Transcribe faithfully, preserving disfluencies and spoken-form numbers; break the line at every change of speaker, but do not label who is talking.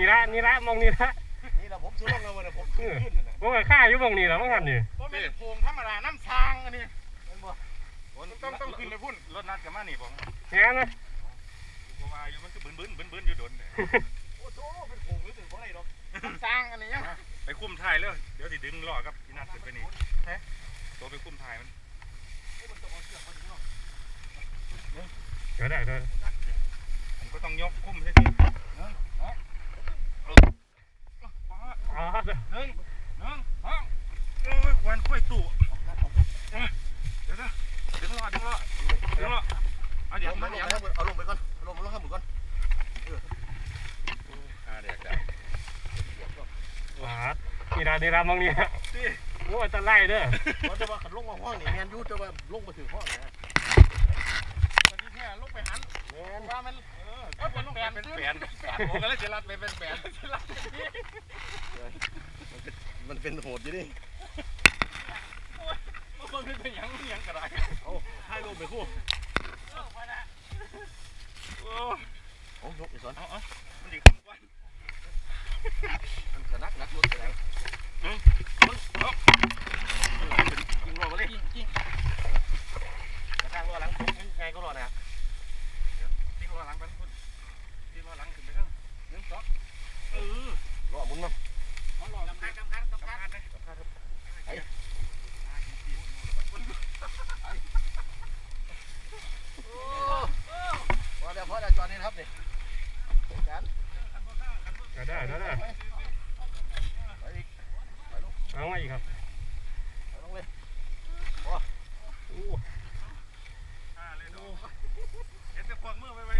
ละนี่ละมองนี่ละ
นี่แหละผมซื้อลงแล้ววันผมขึ้น
ผมก็ฆ่าอยู่มองนี่แหละมั้งครับนี่
ผมเป็นโพงธรรมดาน้ำซางอันนี้ต้องต้องขึ้นไปพุ่นรถนัดกันมานี่ผม
งานนะ
เพราะว่าอยู่มันก็บึ้นบึ้นบึ้นบึ้นอยู่โดน
โอ้โหเป็นโพงหรือถึงเพราะอะไรหรอก
น้ำซางอันนี้ไปคุ้มถ่ายแล้วเดี๋ยวสิดึงล้อครับพี่นัดขึ้นไปนี่ตัวไปคุ้มถ่ายมัน
ก็ได้ได้
ผมก็ต้องยกคุ้มใช่ไหม
อ๋อ
หนึ่งหนึ่งสองโอ้ยควันค่อยตู่เดี๋ยวนะดึงล้อดึงล้อดึงล้อเอาเดี๋ยวมาเดี๋ยว
เอาลงไปก่อนเอาลงมาลงข้างบนก่อน
อ่าเดี๋ยวเดี๋ยว
ว้านี่ละนี่ละมองนี่โอ้จะไล่เด้อ
เขาจะว่าขันลงมาห้องนี่แมนยูจะว่าลงมาถึงห้องนะ
วันนี้เนี่ยลงไปหัน
แมน
ว่ามันเออเป็นแปนเป็นแปนผมก็เลยจะรัดไปเป็นแปน
มันเป็นโหดอยู่ดิ
มันเป็นยังยังกระไร
เอาให้ลงไปคู่
โอ้
โอ้ยกอีกสอน
เอาเอามันดีขึ้นกว่า
มันจะนักนักรถอะไร
อืมเอา
ยิงรอมาเลย
ยิง
กระทางรอหลังไงก็รอนะ
ตีรอหลังกันคุณตีรอหลังขึ้นไปเถอะหนึ่งสองเออ
รอมุนมั้ง
รอำคัญกำคัญกำคัญเลยกำคัญไอ้
พอเดี๋ยวพอเดี๋ยวจอดนี่ครับนี่กัน
ก็ได้ได้ได้เอาไงครับ
ลงเลย
โอ้อ่าเลยดูเห็นแต่พวกมือไปไป